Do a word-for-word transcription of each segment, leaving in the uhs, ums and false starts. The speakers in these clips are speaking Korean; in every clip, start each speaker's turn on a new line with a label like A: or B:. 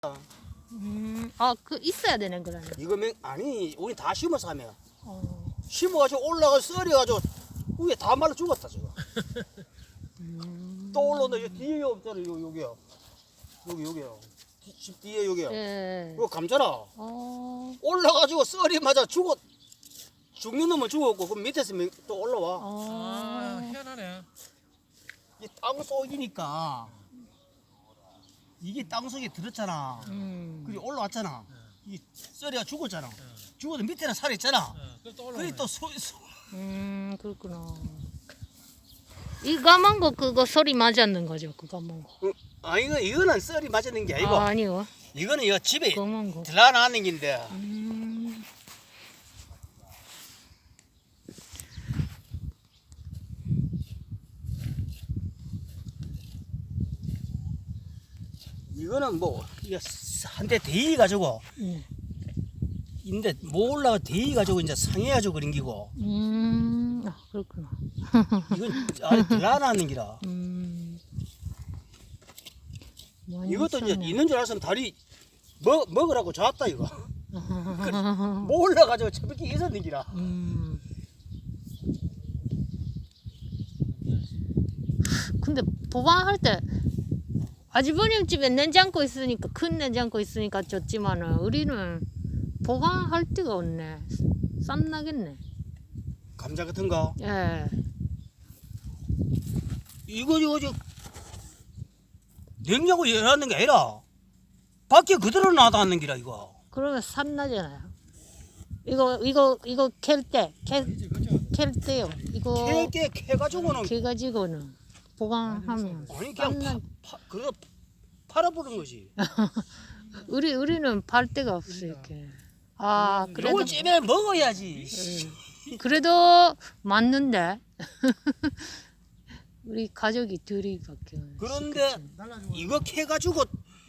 A: 음, 아, 그 있어야 되네 그러면.
B: 이거 맹 아니 우리 다 심어서 하면
A: 어.
B: 심어가지고 올라가 썰어가지고 위에 다 말라 죽었다 지금.
A: 음.
B: 또 올라온다. 여기 뒤에 없잖아. 요 여기요. 여기 여기요. 뒤- 집 뒤에 여기요.
A: 예.
B: 이거 감잖아.
A: 어.
B: 올라가지고 썰이 맞아 죽었. 죽는 놈은 죽었고 그 밑에서 맹- 또 올라와.
A: 어.
C: 아, 희한하네.
B: 이 땅 속이니까 이게 땅 속에 들었잖아.
A: 음.
B: 그리고 올라왔잖아. 이 썰이가 죽었잖아. 죽어도 밑에는 살이 있잖아.
C: 어, 그래 또
B: 그래
C: 올라오네.
B: 또 소, 소,
A: 음, 그렇구나. 이 까만 거 그거 소리 맞았는 거죠? 그 까만 거.
B: 어, 아 이거 이거는 썰이 맞는 게 아니고
A: 아, 아니요.
B: 이거는 이거 집에
A: 까만 거.
B: 들어가는 긴데
A: 음.
B: 이거는 뭐 이거 한 대 대이 가지고
A: 네.
B: 인데 뭐 올라가 대이 가지고 이제 상해가지고 그런 기고
A: 음. 아, 그렇구나.
B: 이건 아예 들어가는 기라.
A: 음. 많이
B: 이것도 이제
A: 있었네.
B: 있는 줄 알았으면 다리 먹 먹으라고 잡았다 이거. 뭐 올라가지고 저렇게 있었는 기라.
A: 음. 근데 보관할 때 아주버님 집에 냉장고 있으니까 큰 냉장고 있으니까 좋지만은 우리는 보관할 데가 없네. 쌈 나겠네.
B: 감자 같은 거
A: 예.
B: 이거 이거 저 냉장고 열었는 게 아니라 밖에 그대로 놔뒀는 기라 이거.
A: 그러면 쌈 나잖아요. 이거 이거 이거 캘때캘캘 때요. 이거
B: 캐게 캐가지고는
A: 캐 가지고는 보관하면
B: 아니
A: 쌈
B: 그냥
A: 나.
B: 파, 파, 그래서 팔아버린 거지.
A: 우리 우리는 팔 데가 없어 이렇게. 아 그래도
B: 이걸 찜에 먹어야지.
A: 예. 그래도 맞는데 우리 가족이 둘이밖에 없어.
B: 그런데 이거 캐가지고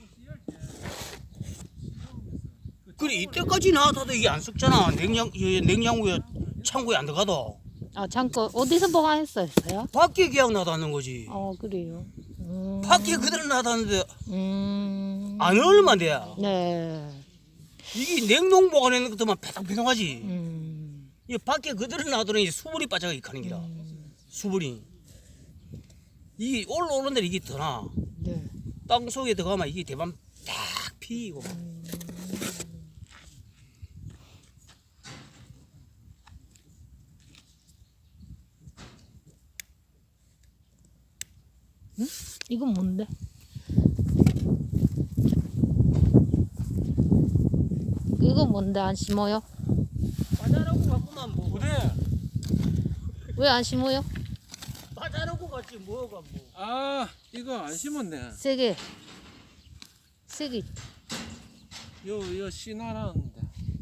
B: 그래 이때까지 놔둬도 이게 안 썩잖아. 냉장 이 냉장고에 창고에 안 들어가도
A: 아 잠깐 어디서 보관했어요?
B: 밖에 그냥 놔뒀는 거지.
A: 어 그래요. 음.
B: 밖에 그대로 놔뒀는데
A: 음.
B: 안 얼마 돼.
A: 네.
B: 이게 냉동 보관하는 것도만 패당패당하지.
A: 음.
B: 이 밖에 그대로 놔두는 이 수분이 빠져가 이카는 기라.
A: 음.
B: 수분이 이 올라오는 데 이게 더 나.
A: 네.
B: 땅 속에 들어가면 이게 대밤 딱 피고.
A: 이건 뭔데? 이거 뭔데 안 심어요?
B: 빠자라고 갖고만 뭐.
C: 그래.
A: 왜 안 심어요?
B: 빠자라고 같이 뭐가 뭐.
C: 아, 이거 안 심었네.
A: 세게 세게
C: 요, 요 씨나라는데.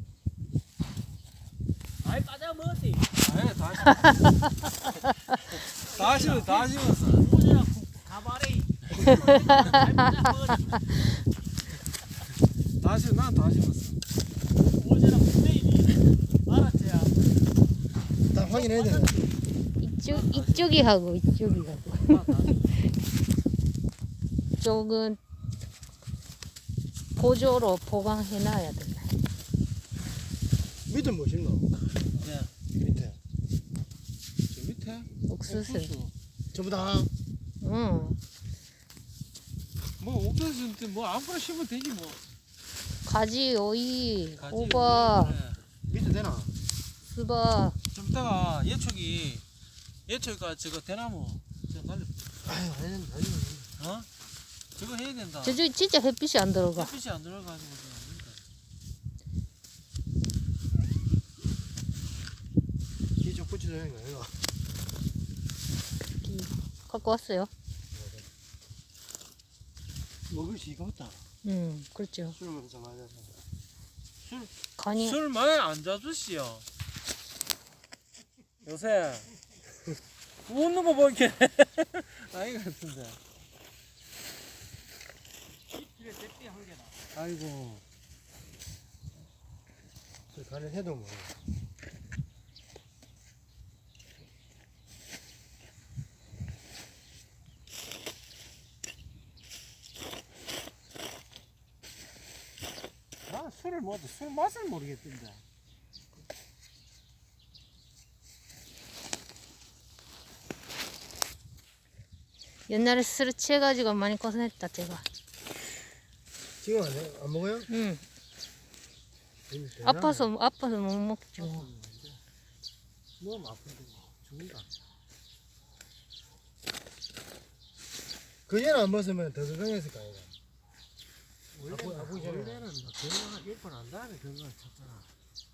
B: 아이 빠자 먹었지.
C: 아예 다 심었어. 다 심었어, 다 심었어.
B: 오지라 가발에.
C: 다 심었어, 난 다 심었어.
B: 오지라 부대이니. 알았지야.
D: 다 확인해야 되네.
A: 이쪽 이쪽이 하고 이쪽이 하고 쪽은 보조로 보관해놔야 되네.
D: 밑에 뭐 심노?
C: 네.
D: 밑에.
C: 저 밑에?
A: 옥수수.
D: 전부 다.
A: 응.
C: 뭐, 옥수수, 뭐, 아무거나 심으면 되지, 뭐.
A: 가지, 오이,
C: 가지,
A: 호박,
C: 그래.
D: 밑에 되나?
A: 수박.
C: 좀 이따가 예초기, 예초기가 저거 대나무, 저거 달려,
D: 아유, 아니, 아니.
C: 어? 저거 해야 된다.
A: 저쪽 진짜 햇빛이 안 들어가.
C: 햇빛이 안 들어가지고 지금 안 된다.
D: 기좀 붙여야 되는 거야, 이거.
A: 갖고 왔어요.
D: 먹을 수 있가 없다.
A: 응, 그렇죠.
D: 술 먹어서 맞아서.
A: 간이
C: 술 많이 안 잡수시오. 요새 웃는 거 보니까 아이 같은데. 아이고.
D: 술 간을 해도 뭐.
C: 술을 먹어도 술 맛을 모르겠던데.
A: 옛날에 술 취해가지고 많이 고생했다 제가.
D: 지금 안, 해? 안 먹어요?
A: 응.
D: 이미 되나?
A: 아파서 아파서 못 먹지 뭐.
D: 너무 아픈데 뭐. 죽는다. 그전에 안 먹었으면 더 건강했을 거 아이가. 아프, 아프기 전에.
C: 원래는 뭐 건강 일 번 한 다음에 건강을 찾잖아.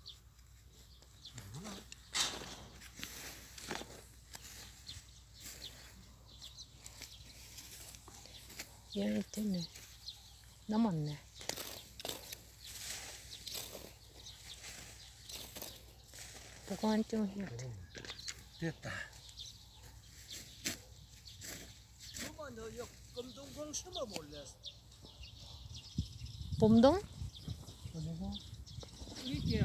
A: 얘 때문에 남았네. 보관 좀 해야 돼.
C: 됐다.
B: 그만 너 검동공 심어 볼래?
A: 봄동?
B: 이게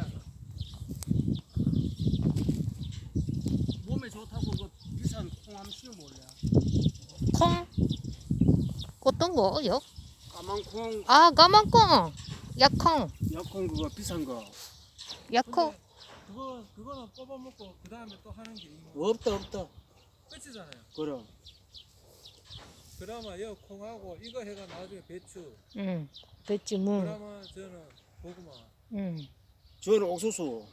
B: 몸에 좋다고 그 비싼 콩 한번 심어 볼래?
A: 콩? 어떤 거? 역?
B: 까만 콩,
A: 아 까만콩! 약콩!
B: 약콩 그거 비싼 거.
A: 약콩?
C: 그거 그거는 뽑아 먹고 그 다음에 또 하는 게 이거
B: 없다 없다.
C: 끝이잖아요.
B: 그럼
C: 그나마 여 콩하고 이거 해가 나중에 배추.
A: 응. 배지 무.
C: 그나마 저는 고구마.
A: 응.
B: 저는 옥수수.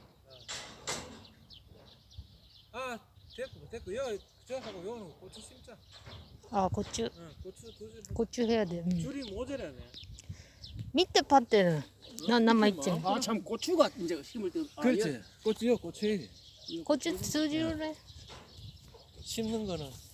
C: 아 됐고 됐고 여 저하고 요는 고추 심자.
A: 아 고추.
C: 응 고추 두 줄.
A: 고추 해야 돼. 응.
C: 줄이 모자라네.
A: 밑에 밭에는 나 남아있지.
B: 아 참 고추가 이제 심을 때. 아,
C: 그렇지. 고추 여 고추
A: 고추 두 줄에.
C: 심는 거는